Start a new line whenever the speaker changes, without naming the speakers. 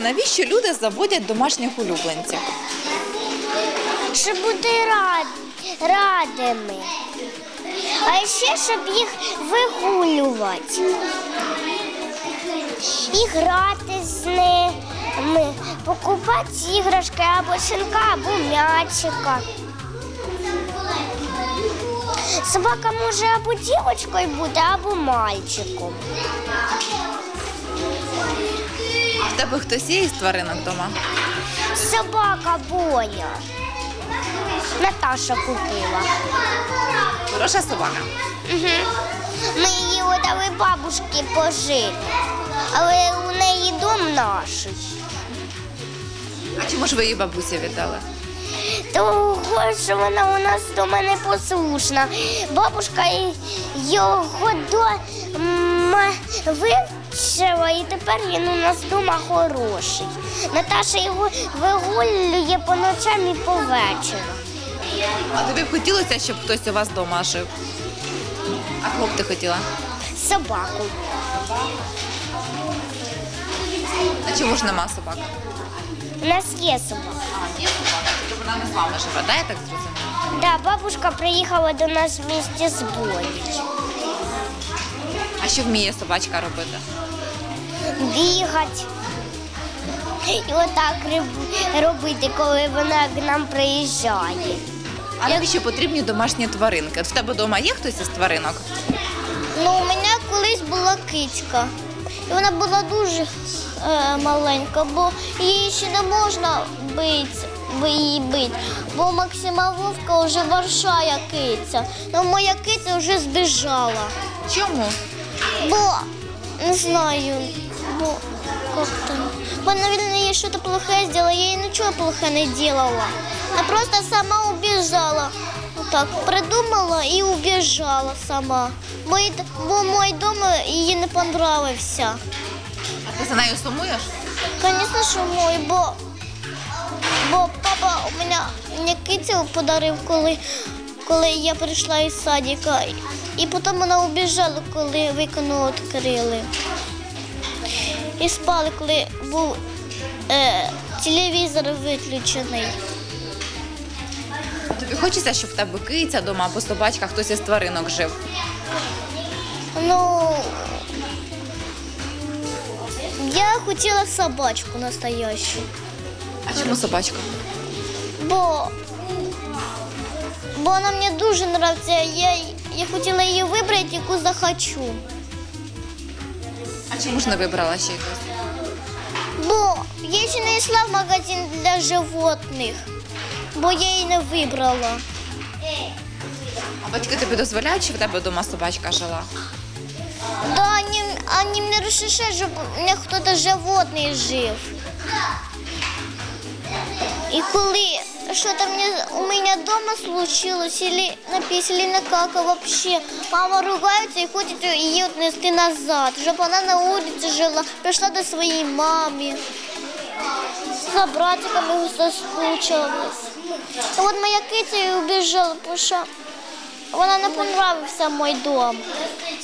навіщо люди заводять домашніх улюбленців?
Щоб бути радими. А ще, щоб їх вигулювати. І грати з ними, покупати іграшки або шинка, або м'ячика. Собака може або дівчинкою бути, або мальчиком.
А в тебе хтось є із тваринок вдома?
Собака Боня. Наташа купила.
Хороша собака?
Угу. Ми її віддали бабушці пожити, але у неї дом наш.
А чому ж ви її бабусі віддали?
Того, що вона у нас вдома непослушна. Бабушка його вивчила, і тепер він у нас вдома хороший. Наташа його вигулює по ночам і по вечорам.
А тобі б хотілося, щоб хтось у вас вдома жив? А кого б ти хотіла?
Собаку.
А чому ж нема собак?
У нас є собака.
Є собака, тільки вона не з вами живе, да, я так зрозуміла?
Да, бабушка приїхала до нас вместе з Бонею.
А що вміє собачка робити?
Бігати. І отак робити, коли вона к нам приїжджає.
А навіщо потрібні домашні тваринки? От в тебе вдома є хтось із тваринок?
Ну, у мене колись була кицька. І вона була дуже маленька, бо її ще не можна її бити, бо Максима Вовка вже варшає киця. Ну, моя киця вже збіжала.
Чому?
Бо, не знаю, бо як там. Бо, наверное, я щось плохе зробила, я їй нічого плохе не робила. Вона просто сама убіжала. Так, придумала і убіжала сама. Бо мій дом їй не понравився.
А ти за нею сумуєш?
Звісно, що мій, бо папа мені кицю подарив, коли я прийшла із садика. І потім вона убіжала, коли вікно відкрили. І спали, коли був телевізор виключений.
Тобі хочеться, щоб в тебе киця вдома або собачка, хтось із тваринок жив?
Ну, я хотіла собачку настоящу.
А чому собачка?
Бо вона мені дуже подобається. Я хотіла її вибрати, яку захочу.
А чому ж не вибрала ще якось?
Бо я ще не йшла в магазин для животних, бо я її не вибрала.
А батьки тобі дозволяють, щоб в тебе вдома собачка жила?
Да, вони не розрішають, щоб у мене хтось животний жив. І коли щось у мене вдома случилось, или написали на кака вообще, мама ругається і хоче її віднести назад, щоб вона на вулиці жила, прийшла до своєї мами, за братиками соскучилась. І от моя киця і убіжала, тому що вона не понравився мій дом.